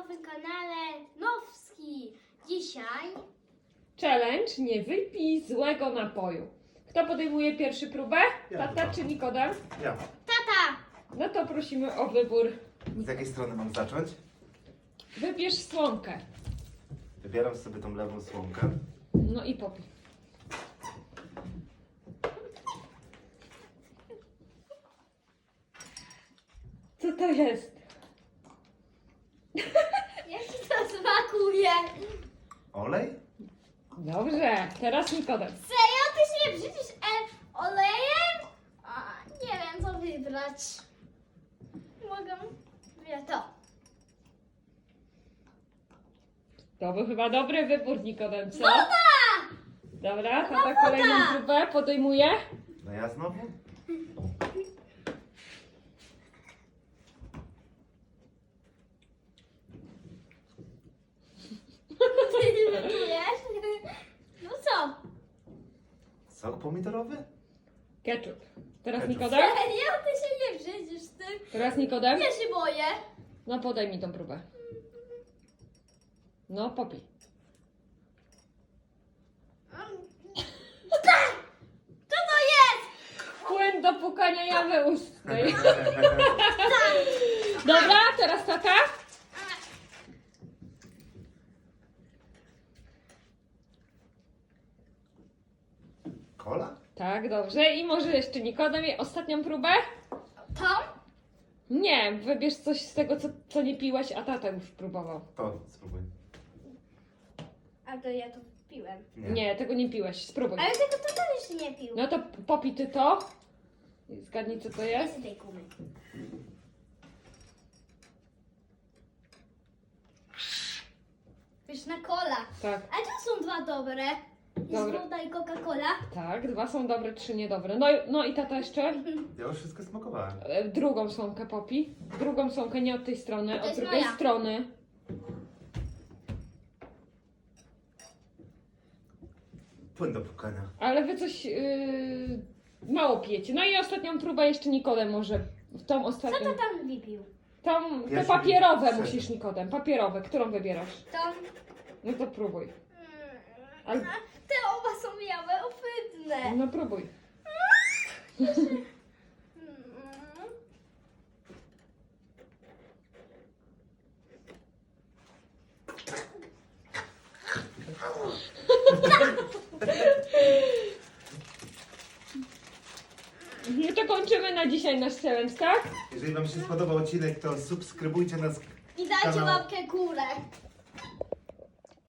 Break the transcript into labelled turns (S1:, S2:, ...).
S1: nowym kanale Nowski. Dzisiaj
S2: Challenge nie wypij złego napoju. Kto podejmuje pierwszy próbę?
S3: Ja
S2: Tata
S3: chyba.
S2: czy Nikodem?
S3: Ja.
S1: tata.
S2: No to prosimy o wybór.
S3: Z jakiej strony mam zacząć?
S2: Wybierz słomkę.
S3: Wybieram sobie tą lewą słomkę.
S2: No i popij. Co to jest?
S1: Jak ci to smakuje?
S3: Olej?
S2: Dobrze, teraz Nikodem.
S1: Serio? Ty się brzydzisz olejem? A, nie wiem co wybrać. Mogę? Ja to.
S2: To był chyba dobry wybór, Nikodem, co?
S1: Woda!
S2: Dobra, tata kolejną próbę podejmuje.
S3: No ja znowu?
S1: Wiesz? No co?
S3: Sok pomidorowy?
S2: Ketchup. Teraz
S3: Ketchup.
S2: Nikodem?
S1: Serio? Ty się nie brzydzisz z tym?
S2: Teraz Nikodem?
S1: Ja się boję.
S2: No podaj mi tą próbę. No popij.
S1: Co to jest?
S2: Płyn do pukania jawy ustnej. Dobra, teraz tata.
S3: Kola?
S2: Tak, dobrze. I może jeszcze Nikodem i ostatnią próbę?
S1: To?
S2: Nie, wybierz coś z tego, co nie piłaś, a tata już próbował.
S3: To spróbuj.
S1: A to ja to piłem.
S2: Nie, tego nie piłeś, spróbuj.
S1: Ale tego to jeszcze nie pił.
S2: No to popij ty to. I zgadnij, co to jest.
S1: Jest tej kumy. Pyszna cola.
S2: Tak,
S1: A tu są dwa dobre. Jest
S2: Dobre.
S1: woda i Coca-Cola.
S2: tak, dwa są dobre, trzy niedobre. No i tata jeszcze
S3: Ja już wszystko smakowałem.
S2: drugą słomkę popij. Drugą słomkę, nie od tej strony,
S1: To
S2: od
S1: jest
S2: drugiej
S1: moja.
S2: strony.
S3: Płyn do pukania.
S2: Ale wy coś mało pijecie. No i ostatnią próbę jeszcze Nikodem może. W tą
S1: Co
S2: ostatnią.
S1: to tam wypił?
S2: Te
S3: Pierwszy
S2: papierowe
S3: wypił.
S2: musisz, Nikodem. Papierowe. Którą wybierasz?
S1: To...
S2: No to próbuj. Ale-
S1: Te oba są białe, ohydne.
S2: No próbuj.
S1: Mm.
S2: No to kończymy na dzisiaj nasz challenge, tak?
S3: Jeżeli wam się spodobał odcinek, to subskrybujcie nas.
S1: I dajcie
S3: Kanał.
S1: łapkę górę.